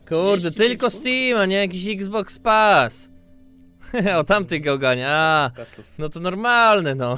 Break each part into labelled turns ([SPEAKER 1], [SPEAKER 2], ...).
[SPEAKER 1] Kurde, tylko Steam, a nie jakiś Xbox Pass. O tamtych gałgania. No to normalne, no.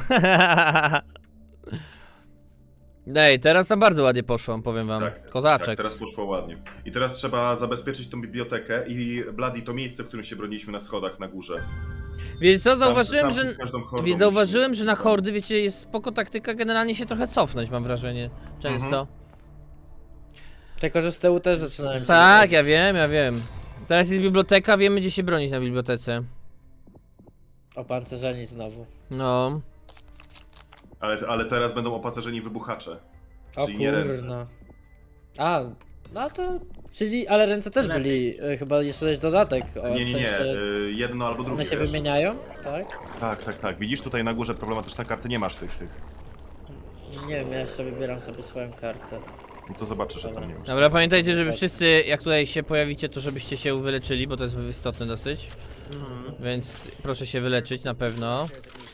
[SPEAKER 1] Ej, teraz tam bardzo ładnie poszło, powiem wam.
[SPEAKER 2] Tak,
[SPEAKER 1] Kozaczek.
[SPEAKER 2] Tak, teraz poszło ładnie. I teraz trzeba zabezpieczyć tą bibliotekę i Bloody to miejsce, w którym się broniliśmy na schodach na górze.
[SPEAKER 1] Wiecie co, zauważyłem,
[SPEAKER 2] tam
[SPEAKER 1] że...
[SPEAKER 2] przed każdą hordą
[SPEAKER 1] Więc zauważyłem,
[SPEAKER 2] musimy-
[SPEAKER 1] że na hordy, wiecie, jest spoko taktyka generalnie się trochę cofnąć, mam wrażenie. Często.
[SPEAKER 3] Tylko, że z tyłu też zaczynałem się
[SPEAKER 1] Tak,
[SPEAKER 3] wybrać.
[SPEAKER 1] ja wiem. Teraz jest biblioteka, wiemy gdzie się bronić na bibliotece.
[SPEAKER 3] Opancerzeni znowu.
[SPEAKER 1] No.
[SPEAKER 2] Ale teraz będą opacerzeni wybuchacze.
[SPEAKER 3] O
[SPEAKER 2] Czyli nie ręce.
[SPEAKER 3] kurna. A, no to... Czyli, ale ręce też byli, chyba jeszcze jest dodatek. O,
[SPEAKER 2] Nie,
[SPEAKER 3] w sensie,
[SPEAKER 2] jedno albo drugie.
[SPEAKER 3] one się
[SPEAKER 2] wiesz.
[SPEAKER 3] wymieniają, tak?
[SPEAKER 2] Tak. Widzisz tutaj na górze problematyczne karty, nie masz tych.
[SPEAKER 3] Nie wiem, ja jeszcze wybieram sobie swoją kartę.
[SPEAKER 2] No to zobaczysz, że tam nie masz.
[SPEAKER 1] Dobra, pamiętajcie, żeby wszyscy, jak tutaj się pojawicie, to żebyście się wyleczyli, bo to jest istotne dosyć. Więc proszę się wyleczyć na pewno.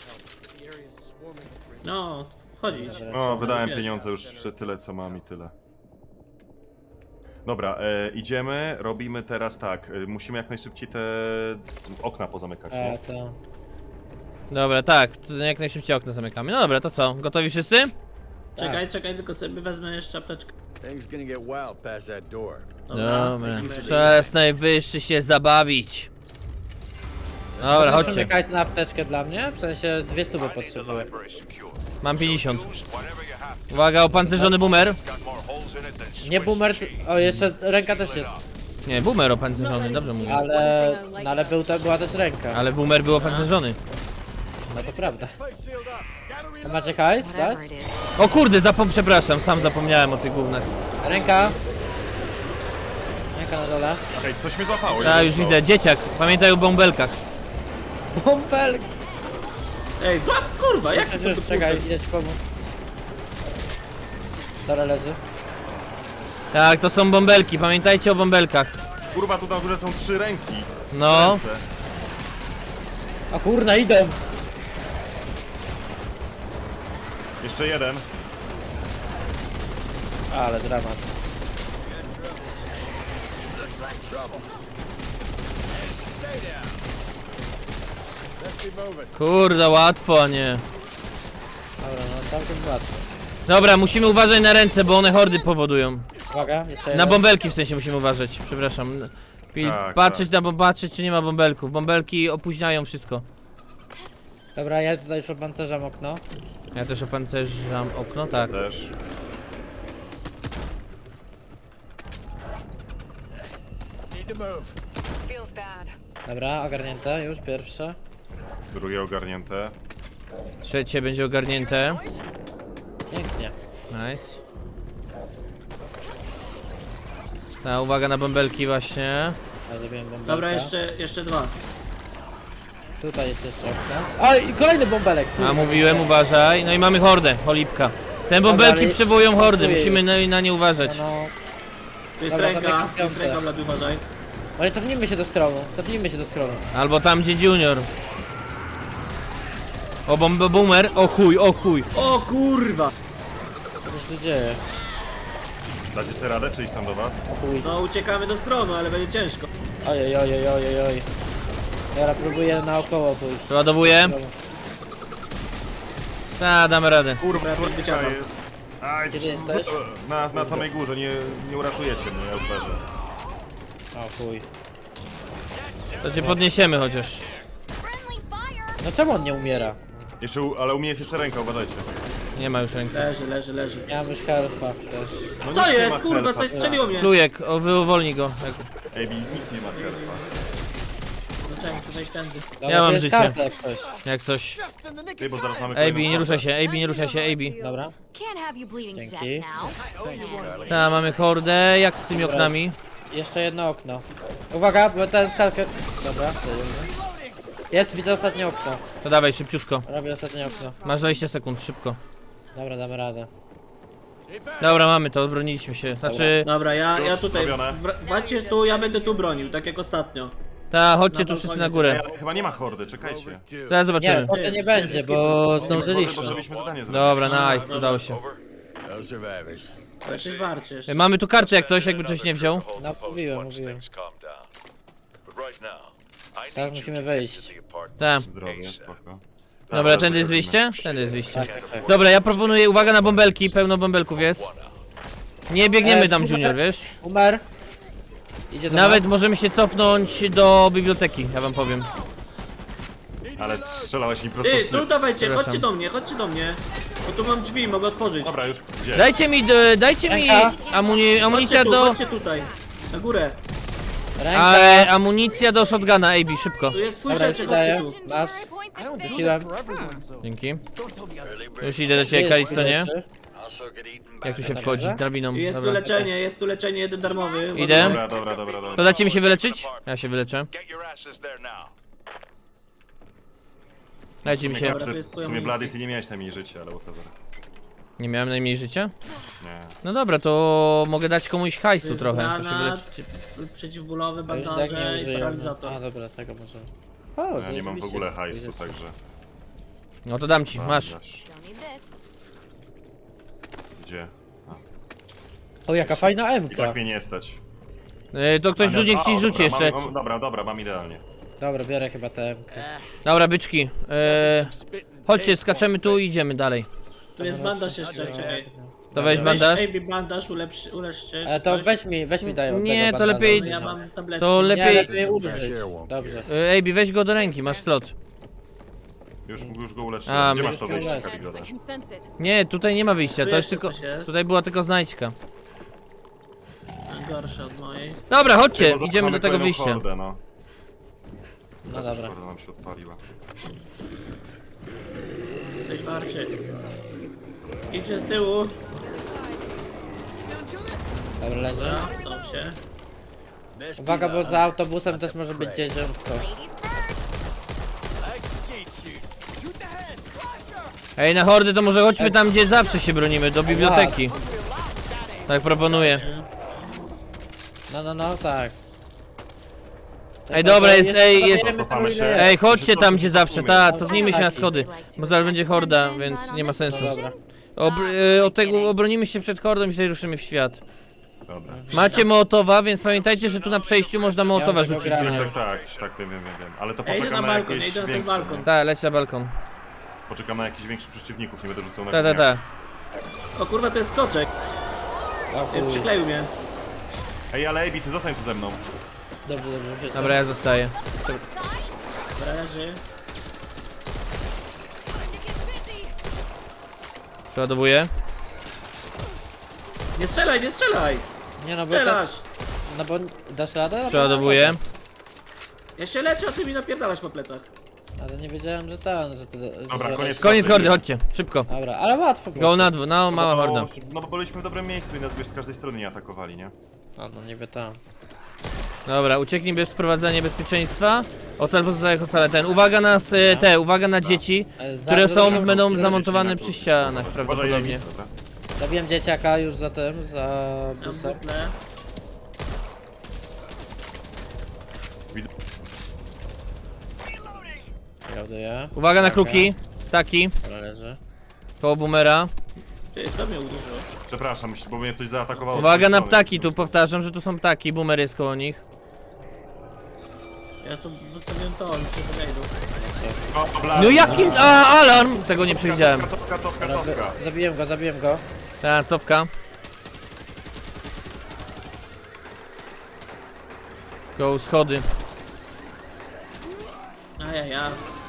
[SPEAKER 4] No, wchodzić.
[SPEAKER 2] No, wydałem
[SPEAKER 4] wiesz.
[SPEAKER 2] pieniądze już tyle co mam i tyle. Dobra, idziemy, robimy teraz tak. Musimy jak najszybciej te okna pozamykać, nie?
[SPEAKER 3] To...
[SPEAKER 1] Dobra, tak, to jak najszybciej okno zamykamy. No dobra, to co? Gotowi wszyscy?
[SPEAKER 4] Czekaj, tylko sobie wezmę jeszcze apteczkę.
[SPEAKER 5] Things gonna get wild past that door.
[SPEAKER 1] Dobra,
[SPEAKER 4] lecimy.
[SPEAKER 1] czas najwyższy się zabawić. Dobra,
[SPEAKER 3] Chodźcie.
[SPEAKER 1] chodźcie.
[SPEAKER 3] Hajs na apteczkę dla mnie? W sensie 200 potrzebuję.
[SPEAKER 1] Mam 50. Uwaga, opancerzony boomer.
[SPEAKER 3] Nie boomer, o jeszcze ręka też jest.
[SPEAKER 1] Nie, boomer opancerzony, dobrze mówię.
[SPEAKER 3] Ale, no, ale była też ręka.
[SPEAKER 1] Ale boomer był opancerzony.
[SPEAKER 3] No to prawda. A macie hajs, tak?
[SPEAKER 6] Whatever it is.
[SPEAKER 1] O kurde, przepraszam, sam zapomniałem o tych gównach.
[SPEAKER 3] Ręka. Ręka na dole.
[SPEAKER 2] Ej, coś mnie złapało.
[SPEAKER 1] Ja już widzę, dzieciak, pamiętaj o bąbelkach.
[SPEAKER 3] Bąbel!
[SPEAKER 4] Ej, złap, kurwa, jak to
[SPEAKER 3] Już, czekaj, idę ci pomóc. Dobra, leży.
[SPEAKER 1] Tak, to są bąbelki, pamiętajcie o bąbelkach.
[SPEAKER 2] Kurwa, tu na górze są 3 ręki.
[SPEAKER 1] No.
[SPEAKER 2] Ręce.
[SPEAKER 3] A kurna, idę!
[SPEAKER 2] Jeszcze jeden.
[SPEAKER 3] Ale dramat.
[SPEAKER 1] Kurde, łatwo, a nie.
[SPEAKER 3] Dobra, no całkiem łatwo.
[SPEAKER 1] Dobra, musimy uważać na ręce, bo one hordy powodują.
[SPEAKER 3] Uwaga, jeszcze
[SPEAKER 1] Na
[SPEAKER 3] jeden.
[SPEAKER 1] bąbelki w sensie musimy uważać, przepraszam.
[SPEAKER 2] Tak,
[SPEAKER 1] Patrzeć patrzeć czy nie ma bąbelków. Bąbelki opóźniają wszystko.
[SPEAKER 3] Dobra, ja tutaj już opancerzam okno.
[SPEAKER 1] Ja też opancerzam okno, tak.
[SPEAKER 2] Też.
[SPEAKER 5] Need to move.
[SPEAKER 3] Dobra, ogarnięte, już pierwsze.
[SPEAKER 2] Drugie ogarnięte.
[SPEAKER 1] Trzecie będzie ogarnięte.
[SPEAKER 3] Pięknie.
[SPEAKER 1] Nice. Ta, uwaga na bąbelki właśnie.
[SPEAKER 3] Ja zrobiłem bąbelka.
[SPEAKER 4] Dobra, jeszcze dwa.
[SPEAKER 3] Tutaj jest jeszcze okno. O, i kolejny bąbelek!
[SPEAKER 1] A mówiłem, uważaj. No i mamy hordę, cholipka. Te bąbelki
[SPEAKER 3] ale-
[SPEAKER 1] przywołują hordy,
[SPEAKER 3] Ojej.
[SPEAKER 1] musimy na nie uważać.
[SPEAKER 3] No,
[SPEAKER 4] Tu jest
[SPEAKER 3] Dobra,
[SPEAKER 4] ręka,
[SPEAKER 3] zamykam
[SPEAKER 4] tu jest
[SPEAKER 3] piątę.
[SPEAKER 4] ręka, Blady, uważaj.
[SPEAKER 3] ale cofnijmy się do scrollu,
[SPEAKER 1] Albo tam gdzie junior. O boomer, o chuj, o chuj.
[SPEAKER 4] O kurwa!
[SPEAKER 3] Co się tu dzieje?
[SPEAKER 2] Dacie sobie radę, czy iść tam do was?
[SPEAKER 3] O chuj.
[SPEAKER 4] No uciekamy do schronu, ale będzie ciężko.
[SPEAKER 3] Ojej. Dobra, próbuję naokoło pójść.
[SPEAKER 1] Przeładowuję. Ta, damy radę.
[SPEAKER 2] Kurwa,
[SPEAKER 4] Dobra,
[SPEAKER 2] kurwa
[SPEAKER 4] wyciągam.
[SPEAKER 2] jest. Aj,
[SPEAKER 3] Gdzie jesteś?
[SPEAKER 2] na samej górze, nie uratujecie mnie, ja już leżę.
[SPEAKER 3] O chuj.
[SPEAKER 1] To cię podniesiemy chociaż.
[SPEAKER 3] No czemu on nie umiera?
[SPEAKER 2] Jeszcze, ale u mnie jest jeszcze ręka, uważajcie.
[SPEAKER 1] Nie ma już ręki.
[SPEAKER 4] Leży.
[SPEAKER 3] Nie mam już health'a też.
[SPEAKER 2] No
[SPEAKER 4] Co
[SPEAKER 2] nikt nie
[SPEAKER 4] jest,
[SPEAKER 2] ma
[SPEAKER 4] kurwa,
[SPEAKER 2] helpa.
[SPEAKER 4] coś strzeliło mnie.
[SPEAKER 1] Plujek, uwolnij go.
[SPEAKER 2] Ej, nikt nie ma helpa.
[SPEAKER 4] Zacząłem chcę wejść tędy.
[SPEAKER 3] Dobra,
[SPEAKER 1] Ja mam
[SPEAKER 3] to jest
[SPEAKER 1] życie.
[SPEAKER 3] karta jak coś.
[SPEAKER 1] Jak coś.
[SPEAKER 2] Ty, bo zaraz mamy
[SPEAKER 1] AB,
[SPEAKER 2] kolejną
[SPEAKER 1] nie ruszaj
[SPEAKER 2] hordę.
[SPEAKER 1] się, AB, nie ruszaj się, AB.
[SPEAKER 3] Dobra.
[SPEAKER 6] Can't have you bleeding to
[SPEAKER 3] Dzięki.
[SPEAKER 6] death now.
[SPEAKER 1] Ta, mamy hordę, jak z tymi oknami?
[SPEAKER 3] Jeszcze jedno okno. Uwaga, bo ten skalkę... Dobra, jest, widzę ostatnie okno.
[SPEAKER 1] To dawaj, szybciutko.
[SPEAKER 3] Robię ostatnie okno.
[SPEAKER 1] Masz 20 sekund, szybko.
[SPEAKER 3] Dobra, damy radę.
[SPEAKER 1] Dobra, mamy to, odbroniliśmy się. Znaczy,
[SPEAKER 4] Dobra, ja
[SPEAKER 2] Już
[SPEAKER 4] tutaj.
[SPEAKER 2] zrobione.
[SPEAKER 4] Walcie tu, ja będę tu bronił, tak jak ostatnio.
[SPEAKER 1] ta, chodźcie
[SPEAKER 4] Na
[SPEAKER 1] tu wszyscy
[SPEAKER 4] balkonie
[SPEAKER 1] na górę.
[SPEAKER 2] Ej, ale chyba nie ma hordy, czekajcie.
[SPEAKER 1] Teraz
[SPEAKER 3] Nie,
[SPEAKER 1] zobaczymy.
[SPEAKER 3] to nie będzie, bo
[SPEAKER 2] Bo
[SPEAKER 3] zdążyliśmy.
[SPEAKER 2] żebyśmy zadanie zrobić.
[SPEAKER 1] Dobra, nice, udało się.
[SPEAKER 5] No survivors.
[SPEAKER 4] Ale coś warcie jeszcze.
[SPEAKER 1] Mamy tu kartę jak coś, jakby ktoś nie wziął.
[SPEAKER 3] No, mówiłem. Teraz musimy wejść.
[SPEAKER 1] Tak.
[SPEAKER 2] Zdrowie, spoko.
[SPEAKER 1] Dobra, tędy jest wyjście? Tędy jest wyjście.
[SPEAKER 3] Tak.
[SPEAKER 1] Dobra, ja proponuję, uwaga na bąbelki, pełno bąbelków jest. Nie biegniemy tam, Junior, wiesz?
[SPEAKER 3] Umer. Idzie do
[SPEAKER 1] Nawet
[SPEAKER 3] nas.
[SPEAKER 1] możemy się cofnąć do biblioteki, ja wam powiem.
[SPEAKER 2] Ale strzelałeś mi prosto
[SPEAKER 4] Ty,
[SPEAKER 2] w
[SPEAKER 4] tu
[SPEAKER 2] pysk.
[SPEAKER 4] dawajcie,
[SPEAKER 1] Przepraszam.
[SPEAKER 4] chodźcie do mnie. Bo tu mam drzwi, mogę otworzyć.
[SPEAKER 2] Dobra, już gdzie?
[SPEAKER 1] Dajcie mi
[SPEAKER 3] Ręka.
[SPEAKER 1] amunicja
[SPEAKER 4] Chodźcie tu,
[SPEAKER 1] do...
[SPEAKER 4] chodźcie tutaj. Na górę.
[SPEAKER 3] Ręka.
[SPEAKER 1] Amunicja do shotguna, AB, szybko.
[SPEAKER 4] Tu jest swój
[SPEAKER 3] Dobra, już
[SPEAKER 4] rzeczy,
[SPEAKER 3] ci daję.
[SPEAKER 4] chodźcie tu.
[SPEAKER 3] Masz.
[SPEAKER 6] Point this thing.
[SPEAKER 3] Rzuciłem.
[SPEAKER 1] Dzięki. Już idę do ciebie, Kali, co nie? Jak tu się wchodzi drabiną?
[SPEAKER 4] Jest tu
[SPEAKER 1] Dobra.
[SPEAKER 4] leczenie, jeden darmowy.
[SPEAKER 1] Idę.
[SPEAKER 2] Dobra.
[SPEAKER 1] To dacie mi się wyleczyć? Ja się wyleczę. Dajcie mi się.
[SPEAKER 4] Dobra, tu jest
[SPEAKER 2] W
[SPEAKER 4] twoja
[SPEAKER 2] sumie
[SPEAKER 4] amunicja.
[SPEAKER 2] Blady, ty nie miałeś najmniej życia, ale whatever.
[SPEAKER 1] Nie miałem najmniej życia?
[SPEAKER 2] Nie.
[SPEAKER 1] No dobra, to mogę dać komuś hajsu
[SPEAKER 4] jest
[SPEAKER 1] trochę, to się
[SPEAKER 4] granat.
[SPEAKER 1] wyleczycie.
[SPEAKER 4] Przeciwbólowy,
[SPEAKER 3] A już tak nie
[SPEAKER 4] bandaże i
[SPEAKER 3] użyję.
[SPEAKER 4] paralizator.
[SPEAKER 3] A dobra, tego może. O,
[SPEAKER 2] Ja nie mam w
[SPEAKER 3] zajebiście.
[SPEAKER 2] ogóle hajsu, także...
[SPEAKER 1] No to dam ci, masz.
[SPEAKER 6] Don't need this.
[SPEAKER 2] Gdzie?
[SPEAKER 3] O, jaka fajna
[SPEAKER 2] I
[SPEAKER 3] M-ka.
[SPEAKER 2] tak mnie nie stać.
[SPEAKER 1] To ktoś niech ci rzuci
[SPEAKER 2] dobra,
[SPEAKER 1] jeszcze.
[SPEAKER 2] Dobra, mam idealnie.
[SPEAKER 3] Dobra, biorę chyba tę M-kę.
[SPEAKER 1] Dobra, byczki. Chodźcie, skaczemy tu i idziemy dalej.
[SPEAKER 4] Tu jest bandaż jeszcze, czekaj.
[SPEAKER 1] To weź bandaż.
[SPEAKER 4] Weź AB bandaż, ulecz się.
[SPEAKER 3] Ale to weź mi daj od
[SPEAKER 1] Nie,
[SPEAKER 3] tego
[SPEAKER 1] to
[SPEAKER 3] bandaża.
[SPEAKER 1] lepiej-
[SPEAKER 4] No ja mam tabletki.
[SPEAKER 1] To
[SPEAKER 3] Nie,
[SPEAKER 1] lepiej...
[SPEAKER 3] lepiej użyć. Dobrze.
[SPEAKER 1] AB, weź go do ręki, masz slot.
[SPEAKER 2] Już go uleczyłem.
[SPEAKER 1] A,
[SPEAKER 2] Gdzie
[SPEAKER 1] my-
[SPEAKER 2] masz to wyjście,
[SPEAKER 3] już
[SPEAKER 2] Kaligoda?
[SPEAKER 6] I can sense it.
[SPEAKER 1] Nie, tutaj nie ma wyjścia,
[SPEAKER 4] Tu
[SPEAKER 1] to jest
[SPEAKER 4] jeszcze
[SPEAKER 1] tylko...
[SPEAKER 4] coś jest.
[SPEAKER 1] Tutaj była tylko znajdźka.
[SPEAKER 4] Gorsze od mojej.
[SPEAKER 1] Dobra, chodźcie,
[SPEAKER 2] Bo
[SPEAKER 1] idziemy do
[SPEAKER 2] mamy
[SPEAKER 1] tego
[SPEAKER 2] kolejną
[SPEAKER 1] wyjścia.
[SPEAKER 2] hordę, no.
[SPEAKER 3] No dobra.
[SPEAKER 2] Horda nam się odpaliła.
[SPEAKER 4] Coś warczy. Idźcie z tyłu.
[SPEAKER 3] Dobra, leży.
[SPEAKER 4] Dobra, to się.
[SPEAKER 3] Uwaga, bo za autobusem też może być dzieciątko.
[SPEAKER 6] Ladies first.
[SPEAKER 1] Ej, na hordy to może chodźmy tam, gdzie zawsze się bronimy, do biblioteki. Tak proponuję.
[SPEAKER 3] No, tak.
[SPEAKER 1] Ej, dobra, jest, ej, jest...
[SPEAKER 2] Cofamy się.
[SPEAKER 1] Ej, chodźcie tam, gdzie zawsze,
[SPEAKER 2] Cofujmy.
[SPEAKER 1] cofnijmy się na schody. Bo zaraz będzie horda, więc nie ma sensu.
[SPEAKER 3] Dobra.
[SPEAKER 1] Od tego obronimy się przed hordą i wtedy ruszymy w świat.
[SPEAKER 2] Dobra.
[SPEAKER 1] Macie Mołotowa, więc pamiętajcie, że tu na przejściu można Mołotowa
[SPEAKER 3] Ja tego
[SPEAKER 1] rzucić,
[SPEAKER 3] gram.
[SPEAKER 1] Junior.
[SPEAKER 2] Tak, wiem. Ale to
[SPEAKER 4] Ja idę
[SPEAKER 2] poczekam
[SPEAKER 4] na
[SPEAKER 2] na
[SPEAKER 4] balkon,
[SPEAKER 2] jakieś
[SPEAKER 4] idę na ten
[SPEAKER 2] większe.
[SPEAKER 4] balkon.
[SPEAKER 2] nie?
[SPEAKER 1] Tak, leć na balkon.
[SPEAKER 2] Poczekam na jakichś większych przeciwników, nie będę rzucał na
[SPEAKER 1] Tak.
[SPEAKER 2] gówniarz.
[SPEAKER 4] O kurwa, to jest skoczek.
[SPEAKER 3] O chuj.
[SPEAKER 4] Przykleił mnie.
[SPEAKER 2] Ej, ale Ebi, ty zostań tu ze mną.
[SPEAKER 3] Dobrze, rzucę.
[SPEAKER 1] Dobra, ja zostaję.
[SPEAKER 4] Dobra, leży.
[SPEAKER 1] Przeładowuję.
[SPEAKER 4] Nie strzelaj!
[SPEAKER 3] Nie no, bo
[SPEAKER 4] Strzelasz!
[SPEAKER 3] no bo dasz radę?
[SPEAKER 1] Przeładowuję.
[SPEAKER 4] Ja się leczę, a ty mi napierdalasz po plecach.
[SPEAKER 3] Ale nie wiedziałem, że ten, że ty...
[SPEAKER 2] Dobra,
[SPEAKER 3] że
[SPEAKER 2] koniec.
[SPEAKER 1] Koniec hordy, chodźcie, szybko.
[SPEAKER 3] Dobra, ale łatwo było.
[SPEAKER 1] Go na dwóch, no mała horda.
[SPEAKER 2] No bo byliśmy w dobrym miejscu i nas wiesz, z każdej strony nie atakowali, nie?
[SPEAKER 3] A no niby tam.
[SPEAKER 1] Dobra, ucieknij bez wprowadzenia bezpieczeństwa. Ocal pozostałych ocale ten. Uwaga na dzieci, które będą zamontowane przy ścianach
[SPEAKER 2] Uważaj,
[SPEAKER 1] prawdopodobnie.
[SPEAKER 2] Ebi. Dobra.
[SPEAKER 3] Zabiłem dzieciaka już za tym, za
[SPEAKER 4] Ja mam
[SPEAKER 3] busem.
[SPEAKER 4] butle.
[SPEAKER 3] Ładuję.
[SPEAKER 1] Uwaga na kruki, ptaki,
[SPEAKER 3] Dobra, leży.
[SPEAKER 1] koło boomera.
[SPEAKER 4] Ty, co mnie uderzyło?
[SPEAKER 2] Przepraszam, bo mnie coś zaatakowało. z
[SPEAKER 1] Uwaga
[SPEAKER 2] tej
[SPEAKER 1] na
[SPEAKER 2] strony.
[SPEAKER 1] ptaki, tu powtarzam, że tu są ptaki, boomer jest koło nich.
[SPEAKER 4] Ja tu zostawiłem to, oni się podejdą.
[SPEAKER 2] O, Blady.
[SPEAKER 1] No jakim... alarm! Tego nie przewidziałem.
[SPEAKER 2] Cofka.
[SPEAKER 3] Zabiłem go.
[SPEAKER 1] Ta, cofka. Go, schody.
[SPEAKER 4] Ja.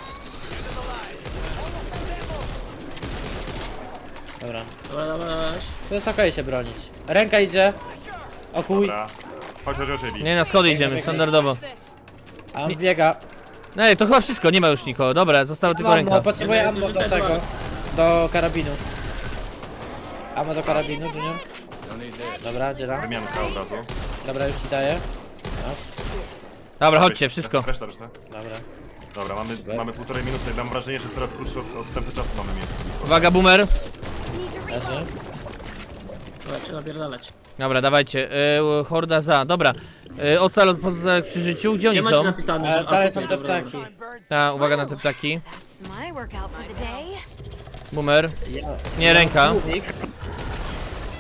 [SPEAKER 3] Dobra.
[SPEAKER 4] Dobra.
[SPEAKER 3] To jest okej się bronić. Ręka idzie. O kuj.
[SPEAKER 2] Dobra. Chodź, Ebi.
[SPEAKER 1] Nie, na schody idziemy, standardowo.
[SPEAKER 3] A on biega.
[SPEAKER 1] Ej, to chyba wszystko, nie ma już nikogo. Dobra, została tylko
[SPEAKER 3] Ammo,
[SPEAKER 1] ręka.
[SPEAKER 3] potrzebuję
[SPEAKER 4] Jeden
[SPEAKER 3] ammo
[SPEAKER 4] jest
[SPEAKER 3] do
[SPEAKER 4] zużyty,
[SPEAKER 3] tego. Do karabinu. Ammo do karabinu, Junior. Dobra, dzielam.
[SPEAKER 2] Wymianka od razu.
[SPEAKER 3] Dobra, już ci daję. Masz.
[SPEAKER 1] Dobra, chodźcie, wszystko.
[SPEAKER 2] Reszta.
[SPEAKER 3] Dobra.
[SPEAKER 2] Dobra, mamy półtorej minuty. Mam wrażenie, że coraz krótszy odstępy czasu mamy mieć.
[SPEAKER 1] Uwaga, boomer.
[SPEAKER 6] Need to reload.
[SPEAKER 3] Leży.
[SPEAKER 4] Dobra, trzeba napierdalać.
[SPEAKER 1] Dobra, dawajcie. Horda za. Dobra. Ocal poza przy życiu. Gdzie
[SPEAKER 4] Nie
[SPEAKER 1] oni
[SPEAKER 4] macie
[SPEAKER 1] są?
[SPEAKER 4] napisane, że...
[SPEAKER 3] Dalej
[SPEAKER 4] A,
[SPEAKER 3] są te
[SPEAKER 4] dobra,
[SPEAKER 3] ptaki.
[SPEAKER 1] Ta, uwaga na te ptaki.
[SPEAKER 6] That's my workout for the day.
[SPEAKER 1] Boomer. Nie, ręka.
[SPEAKER 3] Głównik.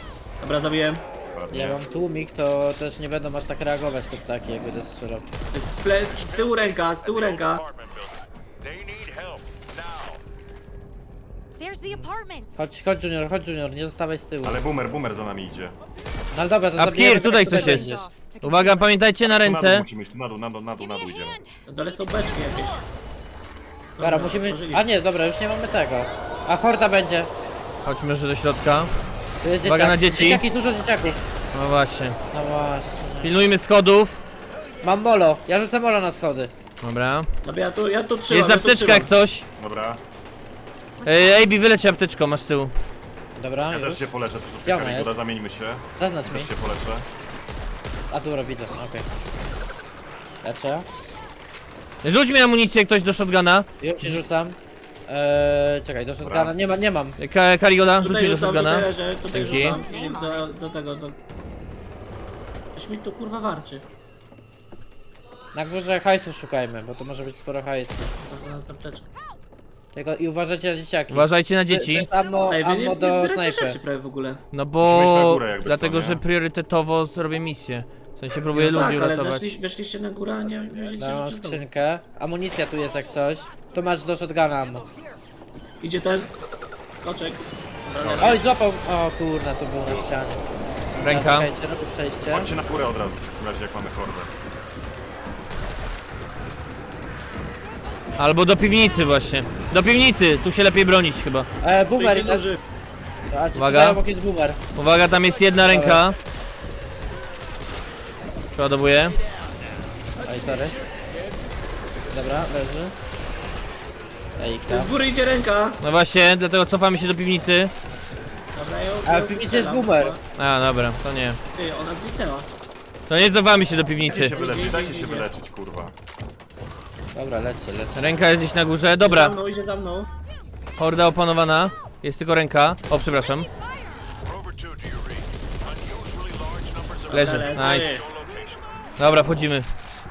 [SPEAKER 4] Dobra, zabiłem.
[SPEAKER 2] Ładnie.
[SPEAKER 3] Ja mam tłumik, to też nie będą aż tak reagować te ptaki, jak będę strzelał.
[SPEAKER 4] Z tyłu ręka, z tyłu ręka.
[SPEAKER 5] Apartment building. They need help now.
[SPEAKER 6] There's the apartments.
[SPEAKER 3] Chodź Junior, nie zostawaj z tyłu.
[SPEAKER 2] Ale boomer za nami idzie.
[SPEAKER 3] No ale dobra, to
[SPEAKER 1] A
[SPEAKER 3] zabijemy
[SPEAKER 1] Pkir, tutaj
[SPEAKER 3] tego,
[SPEAKER 1] coś
[SPEAKER 3] który
[SPEAKER 1] jest.
[SPEAKER 3] będzie.
[SPEAKER 1] Uwaga, pamiętajcie na
[SPEAKER 2] Tu na dół
[SPEAKER 1] ręce.
[SPEAKER 2] musimy iść, tu na dół
[SPEAKER 6] Give me
[SPEAKER 2] idziemy.
[SPEAKER 6] a hand.
[SPEAKER 4] Na dole są beczki jakieś.
[SPEAKER 3] Dobra, musimy...
[SPEAKER 4] otworzyliśmy.
[SPEAKER 3] A nie, dobra, już nie mamy tego. A horda będzie.
[SPEAKER 1] Chodźmy już do środka.
[SPEAKER 3] Tu jest
[SPEAKER 1] Uwaga
[SPEAKER 3] dzieciak.
[SPEAKER 1] na dzieci.
[SPEAKER 3] Dzieciaki, dużo dzieciaków.
[SPEAKER 1] No właśnie.
[SPEAKER 3] No właśnie.
[SPEAKER 1] Pilnujmy schodów.
[SPEAKER 3] Mam molo, ja rzucę molo na schody.
[SPEAKER 1] Dobra.
[SPEAKER 4] Dobra, ja tu trzymam.
[SPEAKER 1] Jest
[SPEAKER 4] ja tu
[SPEAKER 1] apteczka jak
[SPEAKER 4] trzymam.
[SPEAKER 1] coś.
[SPEAKER 2] Dobra,
[SPEAKER 1] AB, wyleci apteczką, masz z tyłu.
[SPEAKER 3] Dobra,
[SPEAKER 2] ja
[SPEAKER 3] już.
[SPEAKER 2] też się poleczę
[SPEAKER 3] Gdzie
[SPEAKER 2] troszeczkę,
[SPEAKER 3] ona
[SPEAKER 2] Karigoda,
[SPEAKER 3] jest?
[SPEAKER 2] zamieńmy się.
[SPEAKER 3] Zaznacz mi.
[SPEAKER 2] Też się poleczę.
[SPEAKER 3] A dobra, widzę, okej. Leczę.
[SPEAKER 1] Rzuć mi amunicję ktoś do shotguna.
[SPEAKER 3] Już ci rzucam. Czekaj, do shotguna. Nie mam.
[SPEAKER 1] Karigoda, rzuć
[SPEAKER 4] Tutaj
[SPEAKER 1] mi do
[SPEAKER 4] rzucam,
[SPEAKER 1] shotguna.
[SPEAKER 4] tutaj leżę, tutaj
[SPEAKER 1] Dzięki.
[SPEAKER 4] rzucam. Do tego, do... Coś mi tu kurwa warczy.
[SPEAKER 3] Na górze hajsu szukajmy, bo to może być sporo hajsu.
[SPEAKER 4] Zaraz apteczkę.
[SPEAKER 3] Tylko i uważajcie na dzieciaki.
[SPEAKER 1] Uważajcie na
[SPEAKER 3] To
[SPEAKER 1] dzieci.
[SPEAKER 3] jest ammo,
[SPEAKER 4] Ej, wy nie
[SPEAKER 3] ammo do
[SPEAKER 4] zbieracie
[SPEAKER 3] snajpy.
[SPEAKER 4] rzeczy prawie w ogóle.
[SPEAKER 1] No
[SPEAKER 2] Musimy iść na
[SPEAKER 1] bo...
[SPEAKER 2] górę jakby co,
[SPEAKER 1] Dlatego,
[SPEAKER 2] nie?
[SPEAKER 1] że priorytetowo zrobię misję. W sensie próbuję
[SPEAKER 4] No
[SPEAKER 1] ludzi
[SPEAKER 4] tak, ale
[SPEAKER 1] uratować.
[SPEAKER 4] weszliście na górę, a nie wzięliście
[SPEAKER 3] Dam
[SPEAKER 4] rzeczy z domu.
[SPEAKER 3] skrzynkę. Amunicja tu jest jak coś. Tu masz do shotguna ammo.
[SPEAKER 4] Idzie ten skoczek. Dobra,
[SPEAKER 3] Oj, złapał! O kurna, to był na ścianie.
[SPEAKER 1] Ręka.
[SPEAKER 3] Czekajcie, robię przejście.
[SPEAKER 2] Chodźcie na górę od razu, w razie jak mamy hordę.
[SPEAKER 1] Albo do piwnicy właśnie. Do piwnicy, tu się lepiej bronić chyba.
[SPEAKER 3] Boomer,
[SPEAKER 4] Idzie duży.
[SPEAKER 3] a ci
[SPEAKER 1] Uwaga.
[SPEAKER 3] tutaj obok jest boomer.
[SPEAKER 1] Uwaga, tam jest jedna ręka. Przeładowuję.
[SPEAKER 3] Oj, sorry. Dobra, leży. Ejka.
[SPEAKER 4] Z góry idzie ręka.
[SPEAKER 1] No właśnie, dlatego cofamy się do piwnicy.
[SPEAKER 4] Dobra,
[SPEAKER 3] A w piwnicy jest boomer.
[SPEAKER 1] A, dobra, to nie.
[SPEAKER 4] Ty, ona zniknęła.
[SPEAKER 1] To nie cofamy się do
[SPEAKER 2] Dajcie
[SPEAKER 1] piwnicy.
[SPEAKER 2] się wyleczyć, dajcie się wyleczyć, kurwa.
[SPEAKER 3] Dobra, lecę.
[SPEAKER 1] Ręka jest gdzieś na górze.
[SPEAKER 4] Za
[SPEAKER 1] Dobra,
[SPEAKER 4] mną, idzie za mną.
[SPEAKER 1] horda opanowana. Jest tylko ręka. O, przepraszam.
[SPEAKER 5] Rover 2, do you read? Unusually large numbers of
[SPEAKER 1] Leży,
[SPEAKER 4] Leży.
[SPEAKER 1] nice.
[SPEAKER 5] location.
[SPEAKER 1] Dobra, wchodzimy.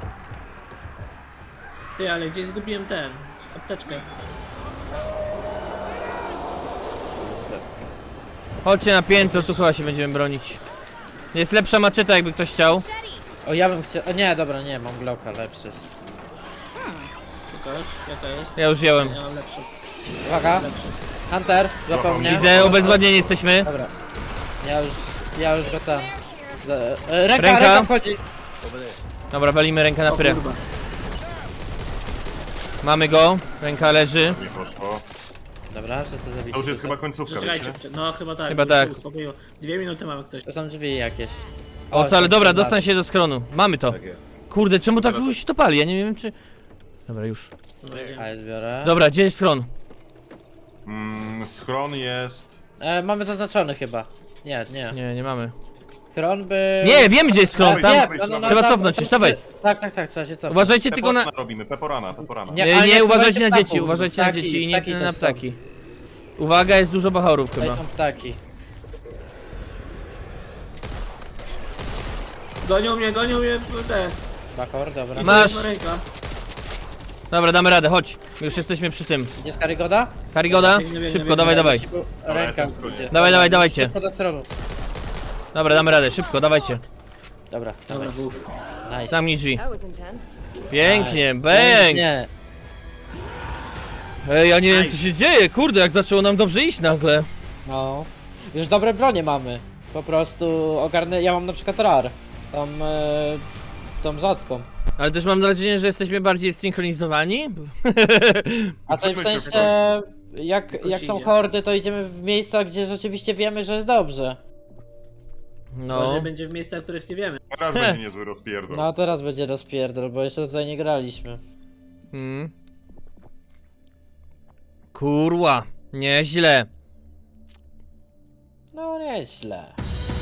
[SPEAKER 4] Ty, ale gdzieś zgubiłem ten. Apteczkę.
[SPEAKER 1] Chodźcie na piętro, tu chyba się będziemy bronić. Jest lepsza maczeta, jakby ktoś chciał.
[SPEAKER 3] O, ja bym chciał... O nie, dobra, nie, mam Glocka, lepszy jest.
[SPEAKER 4] Pokaż, jaka jest.
[SPEAKER 1] Ja już wziąłem.
[SPEAKER 4] Ja mam lepszą.
[SPEAKER 3] Uwaga, Hunter, złapał mnie.
[SPEAKER 1] Widzę, obezwładnieni jesteśmy.
[SPEAKER 3] Dobra. Ja już go tam. Ręka
[SPEAKER 1] Ręka.
[SPEAKER 3] wchodzi.
[SPEAKER 1] Dobra, walimy rękę na
[SPEAKER 4] O
[SPEAKER 1] pyrę.
[SPEAKER 4] kurwa.
[SPEAKER 1] Mamy go, ręka leży.
[SPEAKER 2] Nie poszło.
[SPEAKER 3] Dobra, wszyscy zabici.
[SPEAKER 2] To już jest chyba końcówka,
[SPEAKER 4] Zaczekajcie,
[SPEAKER 2] wiecie?
[SPEAKER 4] no chyba tak.
[SPEAKER 1] Chyba
[SPEAKER 4] bo już
[SPEAKER 1] tak.
[SPEAKER 4] się uspokoiło. 2 minuty mamy jak coś.
[SPEAKER 3] To są drzwi jakieś.
[SPEAKER 1] O co, ale
[SPEAKER 3] są
[SPEAKER 1] dobra,
[SPEAKER 3] dwa.
[SPEAKER 1] dostań się do skronu. Mamy to.
[SPEAKER 2] Tak jest.
[SPEAKER 1] Kurde, czemu tak długo się to pali? Ja nie wiem czy... Dobra, już.
[SPEAKER 4] Dobra, idziemy.
[SPEAKER 3] A, ja zbiorę.
[SPEAKER 1] Dobra, gdzie jest schron?
[SPEAKER 2] Schron jest...
[SPEAKER 3] Mamy zaznaczony chyba. Nie.
[SPEAKER 1] Nie, nie mamy.
[SPEAKER 3] Schron by...
[SPEAKER 1] Nie, wiemy gdzie jest schron,
[SPEAKER 2] Nie,
[SPEAKER 1] tam...
[SPEAKER 2] no,
[SPEAKER 1] trzeba
[SPEAKER 3] tam-
[SPEAKER 1] cofnąć,
[SPEAKER 3] tam-
[SPEAKER 1] już dawaj.
[SPEAKER 3] Tak, trzeba się cofnąć.
[SPEAKER 1] Uważajcie tylko na...
[SPEAKER 2] Peporana robimy, peporana.
[SPEAKER 1] Nie,
[SPEAKER 3] ale
[SPEAKER 1] nie, uważajcie na
[SPEAKER 3] ptaków.
[SPEAKER 1] dzieci, uważajcie na
[SPEAKER 3] Ptaki,
[SPEAKER 1] dzieci i nie
[SPEAKER 3] ptaki to
[SPEAKER 1] na
[SPEAKER 3] są.
[SPEAKER 1] ptaki. Uwaga, jest dużo bachorów
[SPEAKER 3] Tutaj
[SPEAKER 1] chyba.
[SPEAKER 3] są ptaki.
[SPEAKER 4] Gonią mnie te.
[SPEAKER 3] Bachor, dobra.
[SPEAKER 1] Masz.
[SPEAKER 4] Jedna ręka.
[SPEAKER 1] Dobra, damy radę, chodź. Już jesteśmy przy tym.
[SPEAKER 3] Gdzie z Karigoda?
[SPEAKER 1] Karigoda,
[SPEAKER 4] Biegnę,
[SPEAKER 1] szybko, dawaj.
[SPEAKER 3] Ręka.
[SPEAKER 2] jestem w zgodzie.
[SPEAKER 1] Dawajcie.
[SPEAKER 3] Szybko do schronu.
[SPEAKER 1] Dobra, damy radę, szybko, dawajcie.
[SPEAKER 3] Dobra.
[SPEAKER 4] Dobra, buf.
[SPEAKER 3] Nice.
[SPEAKER 1] Zamknij drzwi.
[SPEAKER 6] That was intense.
[SPEAKER 1] Pięknie, bang!
[SPEAKER 3] Nie.
[SPEAKER 1] Ej, ja nie wiem co się dzieje, kurde, jak zaczęło nam dobrze iść nagle.
[SPEAKER 3] No. Już dobre bronie mamy. Po prostu ogarnę... Ja mam na przykład RAR. Tą rzadką.
[SPEAKER 1] Ale też mam nadzieję, że jesteśmy bardziej zsynchronizowani.
[SPEAKER 3] A co w
[SPEAKER 2] Zróbmy
[SPEAKER 3] sensie... Jak są
[SPEAKER 4] idzie.
[SPEAKER 3] hordy, to idziemy w miejsca, gdzie rzeczywiście wiemy, że jest dobrze.
[SPEAKER 4] Może
[SPEAKER 1] No.
[SPEAKER 4] będzie w miejscach, w których nie wiemy.
[SPEAKER 2] Teraz będzie niezły rozpierdol.
[SPEAKER 3] No a teraz będzie rozpierdol, bo jeszcze tutaj nie graliśmy.
[SPEAKER 1] Hmm. Kurwa, nieźle.
[SPEAKER 3] No nieźle.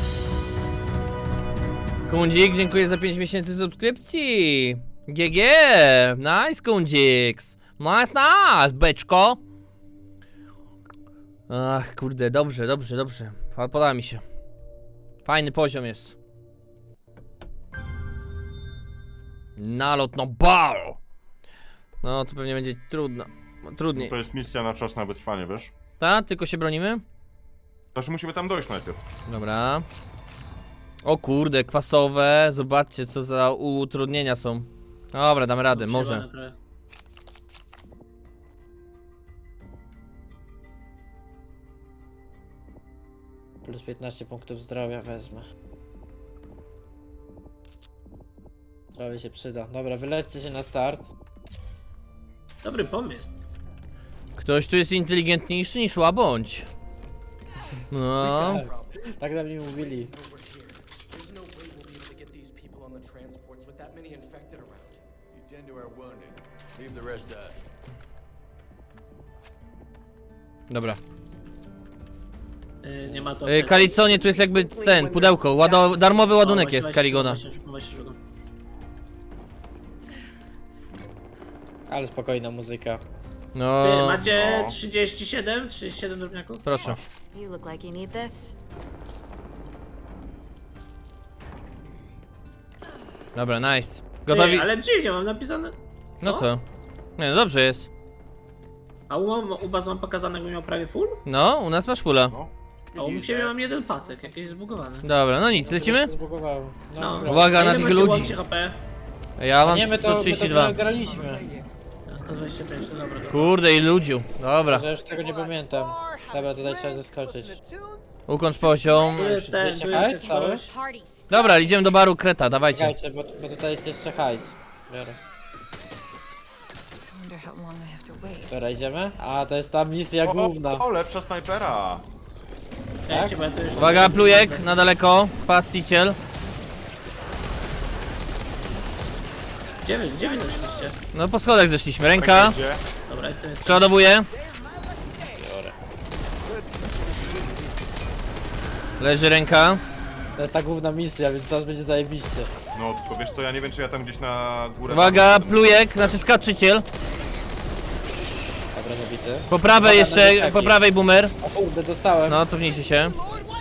[SPEAKER 1] Kundzik, dziękuję za 5 miesięcy subskrypcji. GG, nice Kundziks. Nice, beczko. Ach, kurde, dobrze. Podoba mi się. Fajny poziom jest. Nalot, no bal. No, to pewnie będzie trudno. Trudniej.
[SPEAKER 2] To jest misja na czas na wytrwanie, wiesz?
[SPEAKER 1] Ta? Tylko się bronimy?
[SPEAKER 2] Znaczy musimy tam dojść najpierw.
[SPEAKER 1] Dobra. O kurde, kwasowe. Zobaczcie, co za utrudnienia są. Dobra, damy radę, może.
[SPEAKER 4] Przejebane trochę.
[SPEAKER 3] Plus 15 punktów zdrowia wezmę. Zdrowie się przyda. Dobra, wylećcie się na start.
[SPEAKER 4] Dobry pomysł.
[SPEAKER 1] Ktoś tu jest inteligentniejszy niż łabądź. No.
[SPEAKER 3] Tak na mnie mówili.
[SPEAKER 7] There's no way we'll be able to get these people on the transports with that many infected around.
[SPEAKER 5] You tend to our wounded. Leave the rest to us.
[SPEAKER 1] Dobra.
[SPEAKER 4] Nie ma to.
[SPEAKER 1] Kaliconie, tu jest jakby ten, pudełko. Darmowy ładunek jest z Kaligona.
[SPEAKER 3] Ale spokojna muzyka.
[SPEAKER 1] No,
[SPEAKER 4] Macie 37? 37 drobniaków?
[SPEAKER 1] proszę.
[SPEAKER 6] You look like you need this.
[SPEAKER 1] Dobra, nice. Gotowi?
[SPEAKER 4] Ale dziwnie, mam napisane.
[SPEAKER 1] No co? Nie, no dobrze jest.
[SPEAKER 4] A u was mam pokazane, jakbym miał prawie full?
[SPEAKER 1] No, u nas masz fulla.
[SPEAKER 2] No.
[SPEAKER 4] A u siebie mam jeden pasek, jakieś zbugowane.
[SPEAKER 1] Dobra, no nic, lecimy?
[SPEAKER 3] Zbugowało.
[SPEAKER 4] No.
[SPEAKER 3] dobra.
[SPEAKER 1] Uwaga na
[SPEAKER 4] Ile
[SPEAKER 1] tych
[SPEAKER 4] macie
[SPEAKER 1] ludzi.
[SPEAKER 4] łącznie HP?
[SPEAKER 1] Ja mam
[SPEAKER 3] Nie, my to
[SPEAKER 1] 132.
[SPEAKER 3] graliśmy.
[SPEAKER 4] Ja 125, no dobra.
[SPEAKER 1] Kurde, i ludziu. Dobra.
[SPEAKER 3] Że już tego nie pamiętam. Dobra, tutaj trzeba zaskoczyć.
[SPEAKER 1] Ukończ poziom.
[SPEAKER 4] Tu jest ten, tu
[SPEAKER 3] Czekaj,
[SPEAKER 4] jest
[SPEAKER 3] cały?
[SPEAKER 4] coś.
[SPEAKER 6] Parties.
[SPEAKER 1] Dobra, idziemy do baru Kreta, dawajcie.
[SPEAKER 3] Czekajcie, bo tutaj jest jeszcze hajs. Biorę.
[SPEAKER 6] Wonder how long I have to wait.
[SPEAKER 3] Dobra, idziemy? A, to jest ta misja główna.
[SPEAKER 2] O, lepsza snajpera.
[SPEAKER 4] Czekajcie, bo ja tu już...
[SPEAKER 1] Uwaga, plujek, na daleko. Kwas, siciel.
[SPEAKER 4] Gdzie wy doszliście?
[SPEAKER 1] No po schodach zeszliśmy. Ręka.
[SPEAKER 2] Gdzie?
[SPEAKER 4] Dobra, jestem.
[SPEAKER 1] Przeładowuję. Leży ręka.
[SPEAKER 3] To jest ta główna misja, więc teraz będzie zajebiście.
[SPEAKER 2] No, tylko wiesz co, ja nie wiem czy ja tam gdzieś na górę...
[SPEAKER 1] Uwaga,
[SPEAKER 2] tam-
[SPEAKER 1] plujek, znaczy skaczyciel.
[SPEAKER 3] Dobra, zabity.
[SPEAKER 1] Po prawej
[SPEAKER 3] Uwaga,
[SPEAKER 1] jeszcze,
[SPEAKER 3] na
[SPEAKER 1] po prawej boomer.
[SPEAKER 3] O kurde, dostałem.
[SPEAKER 1] No, cofnijcie się.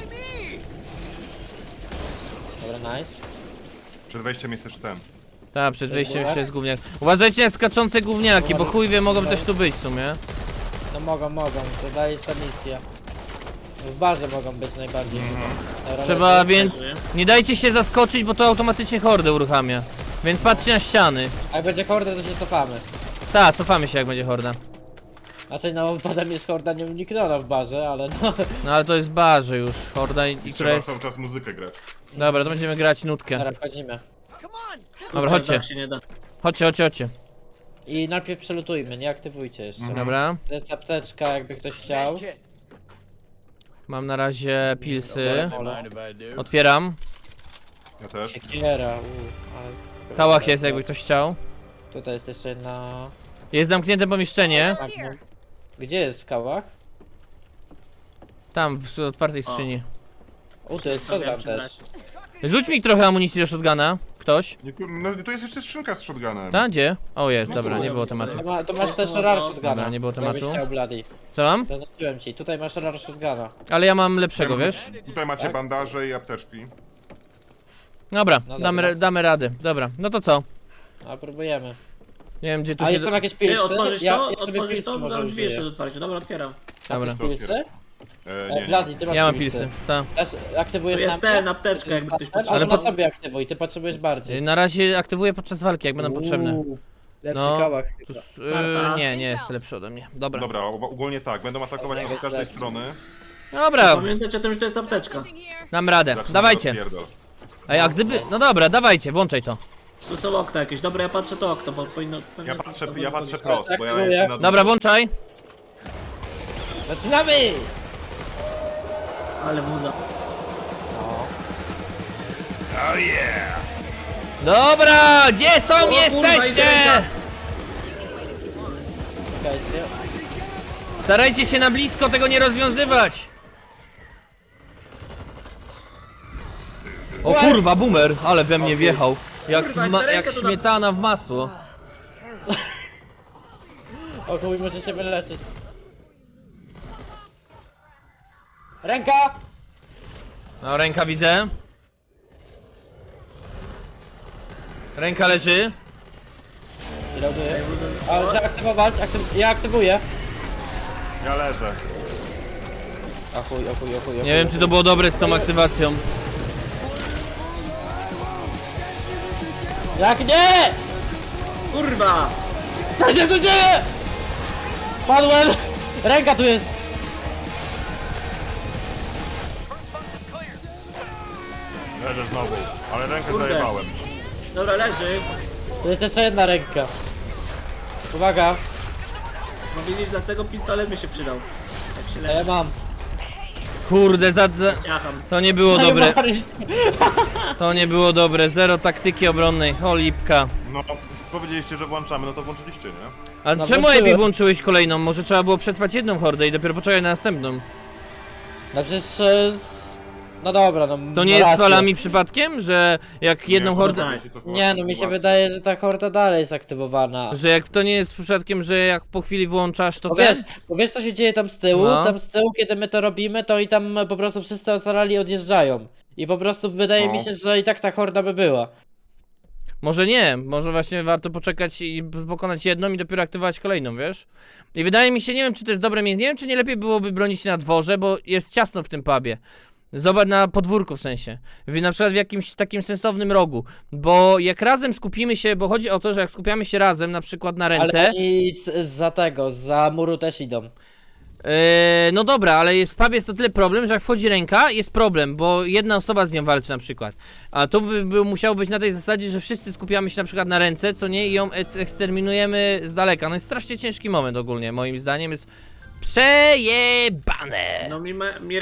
[SPEAKER 3] Dobra, nice.
[SPEAKER 2] Przed wejściem jest jeszcze ten.
[SPEAKER 1] Tak, przed wejściem jeszcze jest gówniak. Uważajcie na skaczące gówniaki, bo chuj wie, mogą też tu być w sumie.
[SPEAKER 3] No mogą, to daje ta misja. W barze mogą być najbardziej. Dobra,
[SPEAKER 1] Trzeba
[SPEAKER 3] lecę.
[SPEAKER 1] więc... Nie dajcie się zaskoczyć, bo to automatycznie hordę uruchamia. Więc patrzcie na ściany.
[SPEAKER 3] A jak będzie horda, to się cofamy.
[SPEAKER 1] Tak, cofamy się jak będzie horda.
[SPEAKER 3] Znaczy no, potem jest horda nieunikniona w barze, ale no...
[SPEAKER 1] No ale to jest barze już, horda i która
[SPEAKER 2] Trzeba
[SPEAKER 1] jest...
[SPEAKER 2] cały czas muzykę grać.
[SPEAKER 1] Dobra, to będziemy grać nutkę.
[SPEAKER 3] Dobra, wchodzimy.
[SPEAKER 1] Dobra, chodźcie.
[SPEAKER 4] Tak się nie da.
[SPEAKER 1] Chodźcie.
[SPEAKER 3] I najpierw przelutujmy, nie aktywujcie jeszcze.
[SPEAKER 1] Dobra.
[SPEAKER 3] To jest apteczka, jakby ktoś chciał.
[SPEAKER 1] Mam na razie pilsy.
[SPEAKER 5] Mind if I do?
[SPEAKER 1] Otwieram.
[SPEAKER 2] Ja też.
[SPEAKER 3] Siekiera, ale...
[SPEAKER 1] Kałach jest, jakby ktoś chciał.
[SPEAKER 3] Tutaj jest jeszcze jedna...
[SPEAKER 1] Jest zamknięte pomieszczenie.
[SPEAKER 3] Tak, no. Gdzie jest kałach?
[SPEAKER 1] Tam, w otwartej skrzyni.
[SPEAKER 3] Tu jest shotgun
[SPEAKER 4] Wiem, czy
[SPEAKER 3] też.
[SPEAKER 4] brać.
[SPEAKER 1] Rzuć mi trochę amunicji do shotguna. Ktoś?
[SPEAKER 2] Nie, no tu jest jeszcze skrzynka z shotgunem.
[SPEAKER 1] Ta, gdzie? O, jest, dobra, nie było tematu.
[SPEAKER 3] To masz też rar shotguna.
[SPEAKER 1] Dobra, nie było
[SPEAKER 3] Jakbyś
[SPEAKER 1] tematu.
[SPEAKER 3] chciał, Bloody.
[SPEAKER 1] Co mam?
[SPEAKER 3] Zaznaczyłem ci, tutaj masz rar shotguna.
[SPEAKER 1] Ale ja mam lepszego, wiesz?
[SPEAKER 2] Tutaj macie bandaże i apteczki.
[SPEAKER 1] Dobra,
[SPEAKER 3] No dobra.
[SPEAKER 1] damy radę. Dobra, no to co?
[SPEAKER 3] A próbujemy.
[SPEAKER 1] Nie wiem, gdzie tu
[SPEAKER 3] A
[SPEAKER 1] się...
[SPEAKER 3] są jakieś
[SPEAKER 4] Ty,
[SPEAKER 3] pilsy?
[SPEAKER 4] otworzyć
[SPEAKER 3] ja
[SPEAKER 4] to?
[SPEAKER 3] sobie
[SPEAKER 4] Otworzyć
[SPEAKER 3] pilsy
[SPEAKER 4] to?
[SPEAKER 3] może
[SPEAKER 4] Mam drzwi jeszcze
[SPEAKER 3] użyję.
[SPEAKER 4] do otwarcia. Dobra, otwieram.
[SPEAKER 1] Dobra.
[SPEAKER 3] Pilsy?
[SPEAKER 2] Nie.
[SPEAKER 3] Bloody, ty masz
[SPEAKER 1] Ja mam
[SPEAKER 3] pilsy.
[SPEAKER 1] pilsy, tak.
[SPEAKER 3] Teraz aktywujesz
[SPEAKER 4] Tu jest
[SPEAKER 3] lampę?
[SPEAKER 4] ten, apteczka, jakby ktoś
[SPEAKER 3] Ale
[SPEAKER 4] potrzebował.
[SPEAKER 3] po sobie aktywuj, ty potrzebujesz bardziej.
[SPEAKER 1] Na razie aktywuję podczas walki, jak będą potrzebne.
[SPEAKER 3] Lepszy
[SPEAKER 1] No,
[SPEAKER 3] kałach
[SPEAKER 1] Tu,
[SPEAKER 3] chyba.
[SPEAKER 1] nie jest lepszy ode mnie. Dobra.
[SPEAKER 2] Dobra, ogólnie tak, będą atakować nas z każdej strony.
[SPEAKER 1] Dobra,
[SPEAKER 4] Pamiętajcie o tym, że to jest apteczka.
[SPEAKER 1] dam radę.
[SPEAKER 2] Zaczynamy
[SPEAKER 1] Dawajcie.
[SPEAKER 2] rozpierdol.
[SPEAKER 1] Ej, a gdyby... No dobra, dawajcie, włączaj to.
[SPEAKER 4] Tu są okna jakieś. Dobra, ja patrzę to okno, bo powinno... pewnie
[SPEAKER 2] Ja patrzę prost, bo ja
[SPEAKER 3] Atakuje.
[SPEAKER 2] jestem na dół.
[SPEAKER 1] Dobra, włączaj.
[SPEAKER 3] Zaczynamy!
[SPEAKER 4] Ale muza.
[SPEAKER 3] No.
[SPEAKER 1] Dobra, gdzie są,
[SPEAKER 4] kurwa,
[SPEAKER 1] jesteście?
[SPEAKER 4] idę.
[SPEAKER 3] Czekajcie.
[SPEAKER 1] Starajcie się na blisko tego nie rozwiązywać. O kurwa, boomer, ale we mnie wjechał. Jak,
[SPEAKER 4] Kurwa, jak ta
[SPEAKER 1] jak
[SPEAKER 4] ręka to na-
[SPEAKER 1] śmietana w masło.
[SPEAKER 3] O chuj, może się wyleczyć. Ręka!
[SPEAKER 1] No, ręka widzę. Ręka leży.
[SPEAKER 3] Reloaduję. Ale trzeba aktywować, ja aktywuję.
[SPEAKER 2] Ja leżę.
[SPEAKER 3] A chuj.
[SPEAKER 1] Nie wiem, czy to było dobre z tą aktywacją.
[SPEAKER 3] Jak nie!
[SPEAKER 4] Kurwa!
[SPEAKER 3] Co się tu dzieje? Padłem! Ręka tu jest!
[SPEAKER 5] Leżę znowu, ale rękę
[SPEAKER 4] Kurde.
[SPEAKER 5] zajebałem.
[SPEAKER 4] Dobra, leży.
[SPEAKER 3] Tu jest jeszcze jedna ręka. Uwaga,
[SPEAKER 4] No widzisz, dlatego pistolet mi się przydał. Tak się
[SPEAKER 3] ja
[SPEAKER 4] leży.
[SPEAKER 3] mam.
[SPEAKER 1] Kurde,
[SPEAKER 4] Ciacham.
[SPEAKER 1] to nie było dobre.
[SPEAKER 3] Maryś.
[SPEAKER 1] To nie było dobre. Zero taktyki obronnej. O lipka.
[SPEAKER 5] No, powiedzieliście, że włączamy, no to włączyliście, nie?
[SPEAKER 1] Ale
[SPEAKER 3] No,
[SPEAKER 1] czemu
[SPEAKER 3] włączyłem.
[SPEAKER 1] Ebi włączyłeś kolejną? Może trzeba było przetrwać jedną hordę i dopiero poczekać na następną.
[SPEAKER 3] No przecież... No dobra, no
[SPEAKER 1] To nie
[SPEAKER 3] ma
[SPEAKER 1] jest z
[SPEAKER 3] rację.
[SPEAKER 1] falami przypadkiem, że jak jedną
[SPEAKER 5] Nie,
[SPEAKER 1] hordę...
[SPEAKER 5] wydaje się to chyba
[SPEAKER 3] Nie, no mi się
[SPEAKER 5] sytuacja.
[SPEAKER 3] wydaje, że ta horda dalej jest aktywowana.
[SPEAKER 1] Że jak to nie jest przypadkiem, że jak po chwili włączasz, to
[SPEAKER 3] Bo
[SPEAKER 1] ten...
[SPEAKER 3] wiesz co się dzieje tam z tyłu?
[SPEAKER 1] No.
[SPEAKER 3] Tam z tyłu, kiedy my to robimy, to i tam po prostu wszyscy ocalali odjeżdżają. I po prostu wydaje
[SPEAKER 5] No.
[SPEAKER 3] mi się, że i tak ta horda by była.
[SPEAKER 1] Może nie, może właśnie warto poczekać i pokonać jedną i dopiero aktywować kolejną, wiesz? I wydaje mi się, nie wiem czy to jest dobre miejsce, nie wiem czy nie lepiej byłoby bronić się na dworze, bo jest ciasno w tym pubie. Zobacz na podwórku w sensie, na przykład w jakimś takim sensownym rogu, bo jak razem skupimy się, bo chodzi o to, że jak skupiamy się razem na przykład na ręce...
[SPEAKER 3] Ale oni za muru też idą.
[SPEAKER 1] No dobra, ale w pubie jest to tyle problem, że jak wchodzi ręka, jest problem, bo jedna osoba z nią walczy na przykład. A to by musiało być na tej zasadzie, że wszyscy skupiamy się na przykład na ręce, co nie, i ją eksterminujemy z daleka. No jest strasznie ciężki moment ogólnie, moim zdaniem jest przejebane.
[SPEAKER 4] No mi